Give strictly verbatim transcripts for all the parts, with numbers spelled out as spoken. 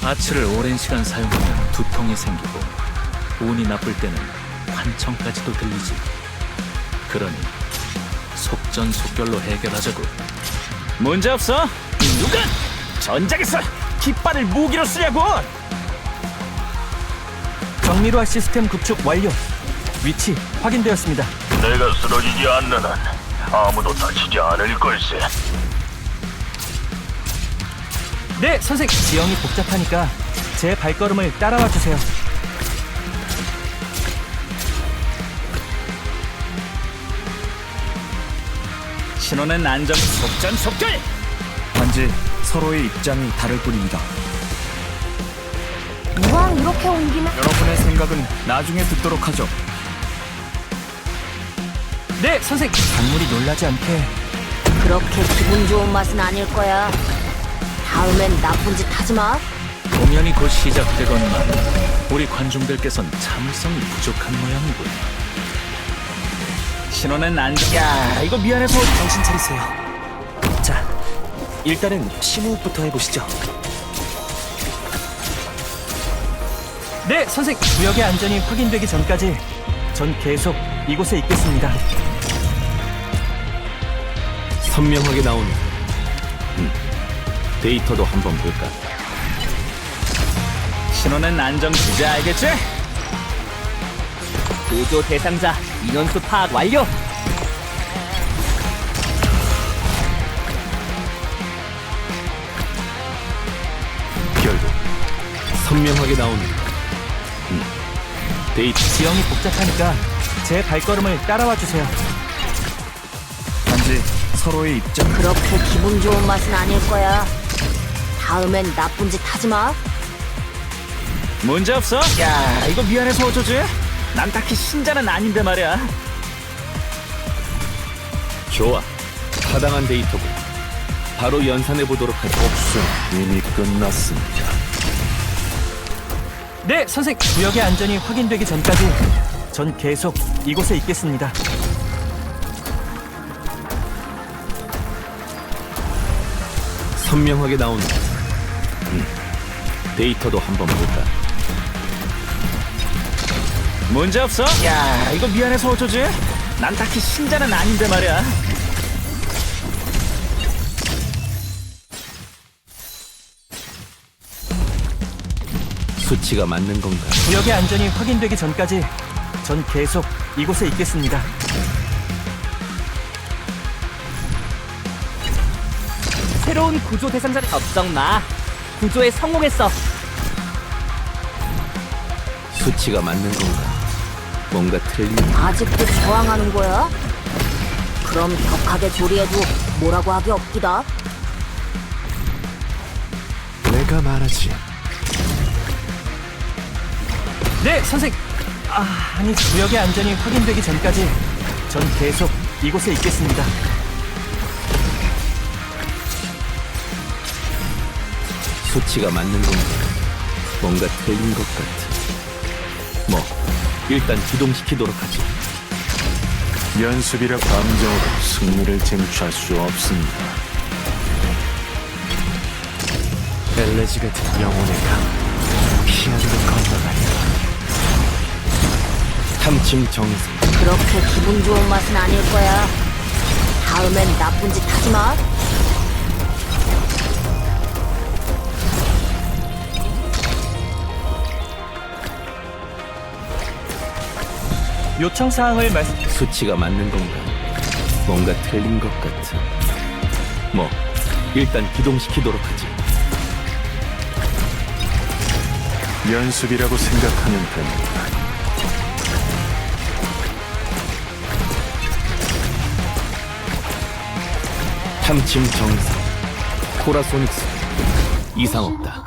아치를 오랜 시간 사용하면 두통이 생기고 운이 나쁠 때는 환청까지도 들리지. 그러니 속전속결로 해결하자고. 문제 없어. 누가 전작에서 깃발을 무기로 쓰냐고. 정밀화 시스템 구축 완료. 위치 확인되었습니다. 내가 쓰러지지 않는 한 아무도 다치지 않을 걸세. 네, 선생. 지형이 복잡하니까 제 발걸음을 따라와 주세요. 신호는 안정. 속전속결. 단지 서로의 입장이 다를 뿐입니다. 이왕 이렇게 옮기면 여러분의 생각은 나중에 듣도록 하죠. 네, 선생. 강물이 놀라지 않게. 그렇게 기분 좋은 맛은 아닐 거야. 다음엔 나쁜 짓 하지 마. 공연이 곧 시작되건만 우리 관중들께선 참을성이 부족한 모양이군. 신호는 안정. 야, 이거 미안해서. 정신 차리세요. 자, 일단은 심호흡부터 해보시죠. 네, 선생. 구역의 안전이 확인되기 전까지 전 계속 이곳에 있겠습니다. 선명하게 나오는 음, 데이터도 한번 볼까? 신호는 안정. 이제 알겠지? 구조 대상자 인원수 파악 완료. 결국 선명하게 나오는 음, 데이터. 지형이 복잡하니까 제 발걸음을 따라와 주세요. 단지 서로의 입장. 그렇게 기분 좋은 맛은 아닐 거야. 다음엔 나쁜 짓 하지 마. 문제 없어. 야, 이거 미안해서 어쩌지? 난 딱히 신자는 아닌데 말이야. 좋아, 타당한 데이터고 바로 연산해 보도록 하죠. 복수 이미 끝났습니다. 네, 선생. 구역의 안전이 확인되기 전까지 전 계속 이곳에 있겠습니다. 선명하게 나오는 음, 데이터도 한번 볼까? 문제 없어. 야, 이거 미안해서 어쩌지? 난 딱히 신자는 아닌데 말이야. 수치가 맞는 건가? 구역의 안전이 확인되기 전까지 전 계속 이곳에 있겠습니다. 새로운 구조 대상자를 걱정 마. 구조에 성공했어. 수치가 맞는 건가? 뭔가 틀린. 아직도 저항하는 거야? 그럼 격하게 조리해도 뭐라고 하기 없기다. 내가 말하지. 네, 선생. 아, 아니, 구역의 안전이 확인되기 전까지 전 계속 이곳에 있겠습니다. 수치가 맞는 건가? 뭔가 틀린 것 같아. 뭐 일단 기동시키도록 하지. 연습이라 감정으로 승리를 쟁취할 수 없습니다. 엘레지 같은 영혼의 강 피하기로 건너가요. 탐침 정성. 그렇게 기분 좋은 맛은 아닐 거야. 다음엔 나쁜 짓 하지 마. 요청 사항을 말씀. 수치가 맞는 건가? 뭔가 틀린 것 같아. 뭐 일단 기동시키도록 하지. 연습이라고 생각하면 됩니다. 탐침 정상. 코라소닉스. 이상 없다.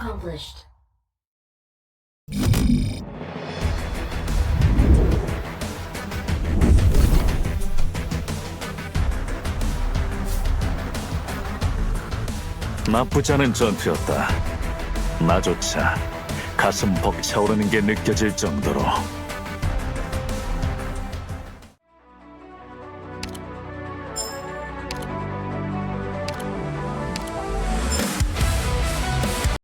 나쁘지 않은 전투였다. 나조차 가슴 벅차오르는 게 느껴질 정도로.